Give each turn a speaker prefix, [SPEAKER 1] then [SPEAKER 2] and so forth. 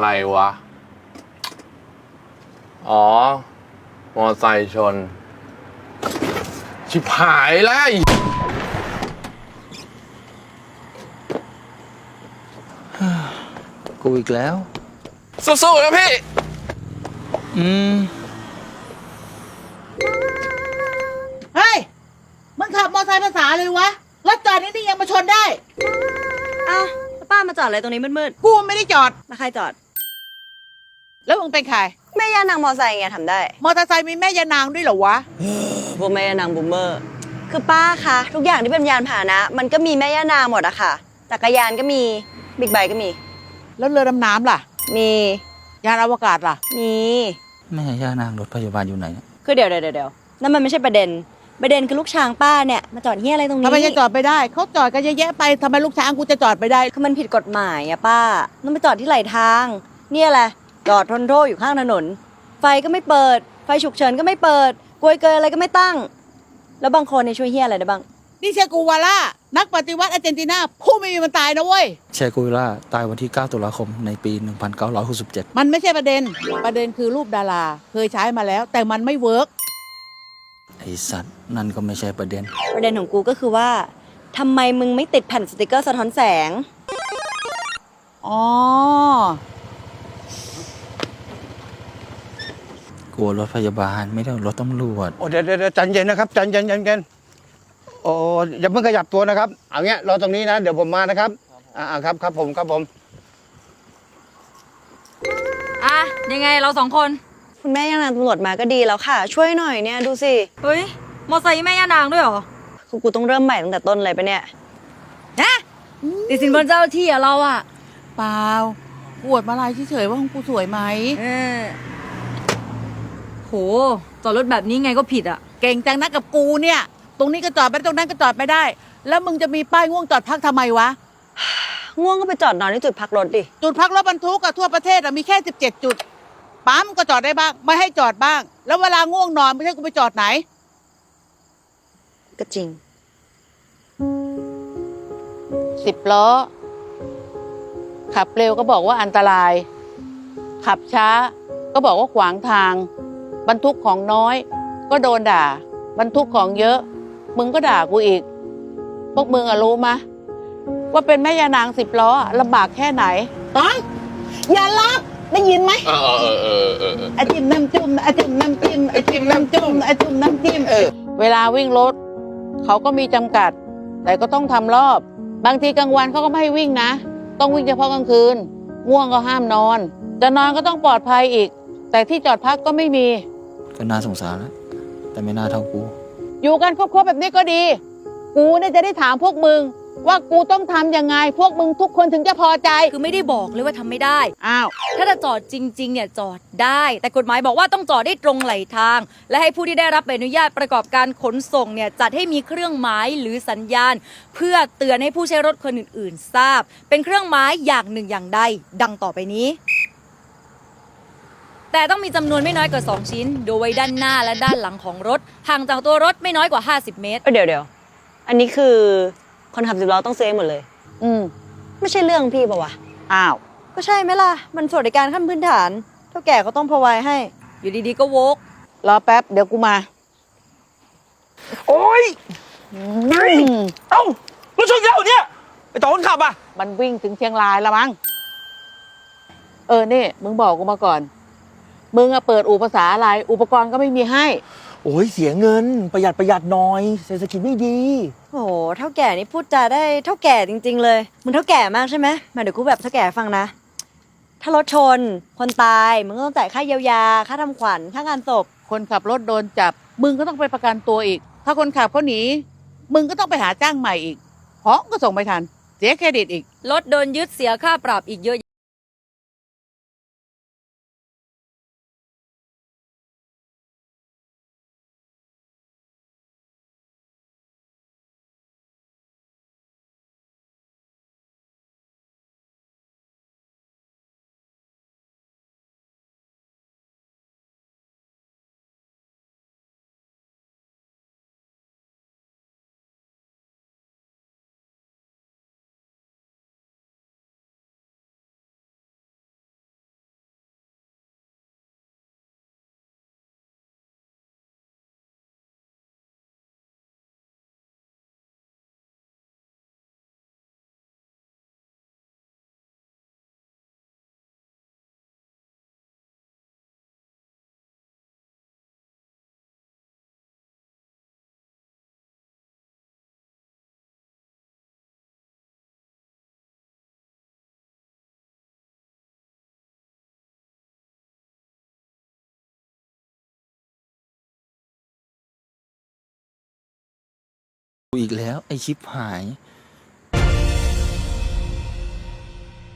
[SPEAKER 1] อะไรวะ อ๋อ มอไซค์ชน ชิบหายแล้ว
[SPEAKER 2] กูอีกแล้ว
[SPEAKER 1] สู้ๆนะพี่
[SPEAKER 3] เฮ้ย มึงขับมอเตอร์ไซค์ภาษาเลยวะ รถจอดนี่ยังมาชนได้
[SPEAKER 4] อ้าวแล้วป้ามาจอดอะไรตรงนี้มืด
[SPEAKER 3] กูไม่ได้จอด
[SPEAKER 4] ๆแล้วใครจอด
[SPEAKER 3] แล้วมึงเป็นใคร
[SPEAKER 4] แม่ย่านางมอไซค์ไงทำได้
[SPEAKER 3] มอเตอร์ไซค์มีแม่ยานางด้วยเหรอวะ
[SPEAKER 4] พวกแม่ย่านางบูมเมอร์ คือป้าคะทุกอย่างที่เป็นยานพาหนะ มันก็มีแม่ย่านางหมดอะค่ะจักรยานก็มีบิ๊กไบค์ก็มี
[SPEAKER 3] แล้วเรือดำน้ำล่ะ
[SPEAKER 4] มี
[SPEAKER 3] ยานอวกาศล่ะ
[SPEAKER 4] มี
[SPEAKER 2] แม่ย่านางรถพยาบาลอยู่ไหนเนี่ย
[SPEAKER 4] คือเดี๋ยวนั่นมันไม่ใช่ประเด็นคือลูกช้างป้าเนี่ยมาจอดเฮียอะไรตรงนี้
[SPEAKER 3] ทำไมจะจอดไปได้ เขาจอดกันเยอะแยะไปทำไมลูกช้างกูจะจอดไปได้
[SPEAKER 4] คือมันผิดกฎหมายอะป้าต้องไปจอดที่ไหลทาง เนี่ยแหละจอดทนโทษอยู่ข้างถนน ไฟก็ไม่เปิด ไฟฉุกเฉินก็ไม่เปิดกลวยเกยอะไรก็ไม่ตั้ง แล้วบางคนเนี่ยช่วยเฮียอะไรได้บ้าง
[SPEAKER 3] นี่เชกูวาล่า นักปฏิวัติอาร์เจนตินาผู้ไม่มีวันตายนะเว้ย
[SPEAKER 2] เชกุยล่าตายวันที่ 9 ตุลาคมในปี 1967
[SPEAKER 3] มันไม่ใช่ประเด็น ประเด็นคือรูปดารา เคยใช้มาแล้ว แต่มันไม่เวิร์ก
[SPEAKER 2] ไอสัตว์นั่นก็ไม่ใช่ประเด็น
[SPEAKER 4] ประเด็นของกูก็คือว่าทำไมมึงไม่ติดแผ่นสติกเกอร์สะท้อนแสง
[SPEAKER 3] อ๋อ
[SPEAKER 2] กลัวรถพยาบาลไม่ได้รถตำรวจ
[SPEAKER 5] โอ้เดี๋ยวใจเย็นนะครับใจเย็นโอ้อย่าเพิ่งขยับตัวนะครับเอาเงี้ยรอตรงนี้นะเดี๋ยวผมมานะครับครับผม
[SPEAKER 6] อ่ะยังไงเราสองคน
[SPEAKER 4] คุณแม่ย่านางตำรวจมาก็ดีแล้วค่ะ ช่วยหน่อยเนี่ยดูสิ
[SPEAKER 6] เฮ้ย มอไซค์แม่ย่านางด้วยเหรอ
[SPEAKER 4] คือกูต้องเริ่มใหม่ตั้งแต่ต้นเลยปะเนี่ย
[SPEAKER 6] นะติดสินบนเจ้าที่อะเราอะ
[SPEAKER 3] เปล่าอวดมาลายเฉยๆว่าของกูสวยไหม
[SPEAKER 6] เออโหจอดรถแบบนี้ไงก็ผิดอะ
[SPEAKER 3] เก่งจังนะกับกูเนี่ย ตรงนี้ก็จอดไม่ได้ตรงนั้นก็จอดไม่ได้ แล้วมึงจะมีป้ายง่วงจอดพักทำไมวะ
[SPEAKER 4] ง่วงก็ไปจอดนอนที่จุดพักรถดิ
[SPEAKER 3] จุดพักรถบรรทุกอะทั่วประเทศอะมีแค่17 จุด ปั๊มก็จอดได้บ้าง ไม่ให้จอดบ้าง แล้วเวลาง่วงนอนไม่ใช่กูไปจอดไหน
[SPEAKER 4] ก็จริง
[SPEAKER 3] 10 ล้อ ขับเร็วก็บอกว่าอันตราย ขับช้าก็บอกว่าขวางทาง บรรทุกของน้อย ก็โดนด่า บรรทุกของเยอะ มึงก็ด่ากูอีก พวกมึงอะรู้มะ ว่าเป็นแม่ยานาง10 ล้ออะลำบากแค่ไหนต้องอย่าลับได้ยินไหมไอจิ้มน้ำจุ่มไอจิ้มน้ำจิ้มไอจิ้มน้ำจุ่มไอจิ้มน้ำจิ้มเวลาวิ่งรถ เขาก็มีจำกัด แต่ก็ต้องทำรอบ บางทีกลางวันเขาก็ไม่ให้วิ่งนะ ต้องวิ่งเฉพาะกลางคืน ง่วงก็ห้ามนอน จะนอนก็ต้องปลอดภัยอีก แต่ที่จอดพักก็ไม่มี
[SPEAKER 2] ก็น่าสงสารแล้วแต่ไม่น่าเท่ากู
[SPEAKER 3] อยู่กันครบๆแบบนี้ก็ดี กูเนี่ยจะได้ถามพวกมึง ว่ากูต้องทำยังไง พวกมึงทุกคนถึงจะพอใจ
[SPEAKER 6] คือไม่ได้บอกเลยว่าทำไม่ได้
[SPEAKER 3] อ้าว
[SPEAKER 6] ถ้าจะจอดจริงๆเนี่ยจอดได้ แต่กฎหมายบอกว่าต้องจอดได้ตรงไหลทาง และให้ผู้ที่ได้รับใบอนุญาตประกอบการขนส่งเนี่ยจัดให้มีเครื่องหมายหรือสัญญาณ เพื่อเตือนให้ผู้ใช้รถคนอื่นๆ ทราบ เป็นเครื่องหมายอย่างหนึ่งอย่างใดดังต่อไปนี้ แต่ต้องมีจำนวนไม่น้อยกว่า 2 ชิ้น โดยไว้ด้านหน้าและด้านหลังของรถห่างจากตัวรถไม่น้อยกว่า 50 เมตร
[SPEAKER 4] เดี๋ยวอันนี้คือคนขับ10 ล้อต้องซื้อเองหมดเลย
[SPEAKER 3] อืม
[SPEAKER 4] ไม่ใช่เรื่องพี่ปะวะ
[SPEAKER 3] อ้าว
[SPEAKER 4] ก็ใช่ไหมล่ะ มันสวัสดิการขั้นพื้นฐาน เท่าแก่ก็ต้องพอไว้ให้
[SPEAKER 6] อยู่ดีๆก็โวก
[SPEAKER 3] รอแป๊บ เดี๋ยวกูมา
[SPEAKER 5] โอ้ยเอ้ารถชนเยอะเนี่ยไอต่อคนขับอ่ะ
[SPEAKER 3] มันวิ่งถึงเชียงรายแล้วมั้ง นี่ มึงบอกกูมาก่อน มึงอะเปิดอู่ภาษาอะไร อุปกรณ์ก็ไม่มีให้
[SPEAKER 5] โอ้ยเสียเงินประหยัดหน่อยเศรษฐกิจไม่ดี
[SPEAKER 4] โอ้โหเท่าแก่นี่พูดจาได้เท่าแก่จริงๆเลยมึงเท่าแก่มากใช่ไหมมาเดี๋ยวกูแบบเท่าแก่ฟังนะ ถ้ารถชน คนตายมึงก็ต้องจ่ายค่าเยียวยา ค่าทำขวัญ ค่างานศพ
[SPEAKER 3] คนขับรถโดนจับ มึงก็ต้องไปประกันตัวอีก ถ้าคนขับเขาหนี มึงก็ต้องไปหาจ้างใหม่อีกของก็ส่งไม่ทัน เสียเครดิตอีก
[SPEAKER 6] รถโดนยึดเสียค่าปรับอีกเยอะ
[SPEAKER 2] อีกแล้วไอชิปหาย